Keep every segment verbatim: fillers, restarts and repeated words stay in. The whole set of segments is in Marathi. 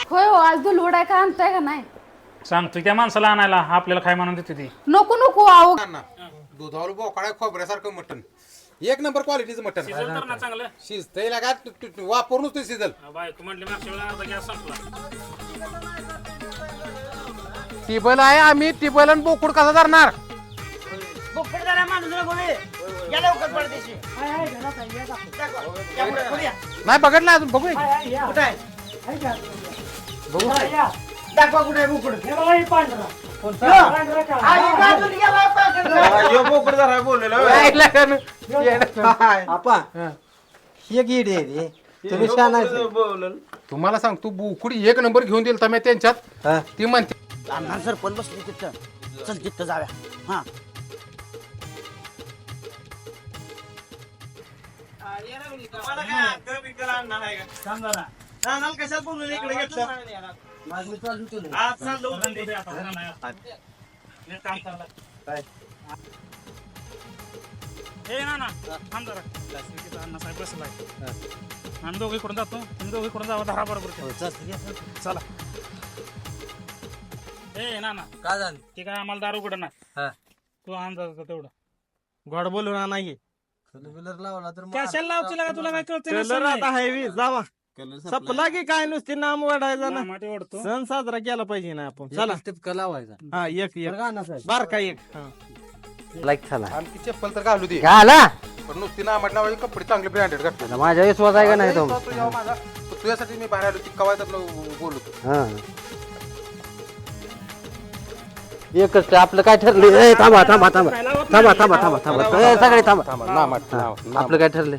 होय हो, आज दुलवड आहे का आणताय का नाही? सांगतो त्या माणसाला आणायला आपल्याला काय म्हणून देते ती. नको नको आहो. दुधावर बोकाळा खोबऱ्यासारखं मटण, एक नंबर क्वालिटीचं मटण. चांगलं शिजतंय लागा वापरूनच ते शिजल. बायको म्हटली मागच्या वेळेला अर्धा गॅस संपला. टिबल आहे, आम्ही टिबल आणि बोकुड कसा धरणार? नाही बघितलं अजून, बघू बघू दाखवा कुठे बोकड तुम्ही तुम्हाला सांग, तू बोकुडी एक नंबर घेऊन दिल तर त्यांच्यात ती म्हणते सर पण बसली तिथं, चल तिथं जाऊया. हा कशात बोलून इकडे घेतलं. हे ना ना थांब जरा. अण्णासाहेब बसलाय. आम्ही दोघे इकडून जातो, तुम्ही दोघे इकडून जावा दहा बरोबर. चला. ए ना ना काय झालं? ते काय आम्हाला दारू उघड नाही. तू अंदाज तेवढं गोड बोलून नाही लावला तर कशाला लावची लागा, तुला काय कळतं? कलर आता हायवी जावा सपला की काय नुसती नाम वाढायचा ना. ओढतो सण साजरा केला पाहिजे ना आपण. चला टिपका लावायचा. हा एक एक बार का एक लाईक झाला आमची चप्पल तर घालू दे, घाला पण नुसती ना म्हटलं कपडे चांगले ब्रँडेड घातले. माझ्या विश्वास आहे का नाही तो? माझा तुझ्यासाठी मी बाहेर आलो, ती कवाय बोलतो. हा एकच आपलं काय ठरलं? ए, थांबा थांबा थांबा थांबा थांबा थांबा थांबा ए, सगळे थांबा. ना म्हट हा, आपलं काय ठरलंय?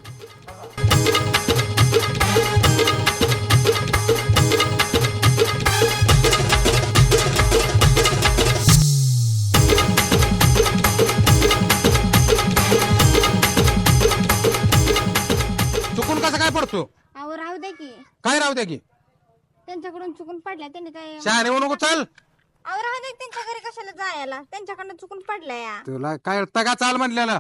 चुकून कसं काय पडतो? अहो राहू द्या की, काय राहू द्या की त्यांच्याकडून चुकून पडल्या त्यांनी काय. शहाणे होऊ नको, चल. अहो राहू द्या, त्यांच्या घरी कशाला जायला, त्यांच्याकडनं चुकून पडल्या या. तुला काय तगा चाल म्हणलेलं,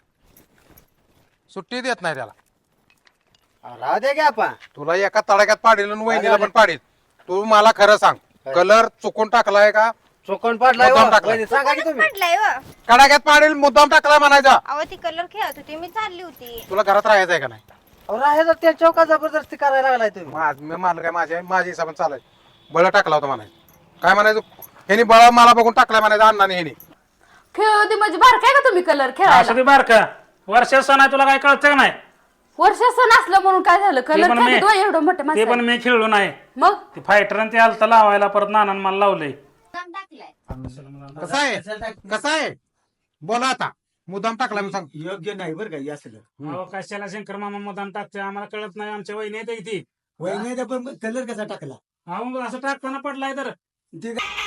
सुट्टी देत नाही त्याला. राहू दे की आपण. तुला एका तडाक्यात पाडील आणि वहिनीला पण पाडील. तू मला खरं सांग, कलर चुकून टाकलाय का चोकण पडलाय मुद्दाम हो. टाकलाय. वहिनी, सांगा की तुम्ही. पडलाय व. कडाक्यात पाडील, मुद्दाम टाकलाय म्हणायचा. अहो ती कलर खेळत होती, मी चालली होती. तुला घरात राहायचंय का नाही? राहायचं त्या चौका जबरदस्ती करायला लागलाय तुम्ही. माझ- मी मला काय माझ्या माझ्या हिसाबाने चालाय. बळ टाकला होता म्हणायचं. काय म्हणायचं, ह्यानी बळ मला बघून टाकलाय म्हणायचं अण्णाने. ह्यानी खेळ होती म्हणजे बार काय का तुम्ही कलर असं खेळायला? ते बार का वर्षा सण आहे, तुला काय कळतं का नाही? वर्ष सण असलं म्हणून काय झालं? कलर पण मी- खेळतो एवढं मोठे ते माणसं. पण मी खेळलो नाही. मग ते फायटर आणि ते आलता लावायला, परत नानान मला लावलंय. कसं आहे कसं आहे बोला आता. मुद्दाम टाकला मी सांग. योग्य नाही बरं का असलं. अहो, कशाला शंकर मामा मुद्दाम टाकतोय, आम्हाला कळत नाही. आमच्या वहिनी येते ती. वहिनी पण कलर कसा टाकला अहो असं टाकताना पडलाय तर ते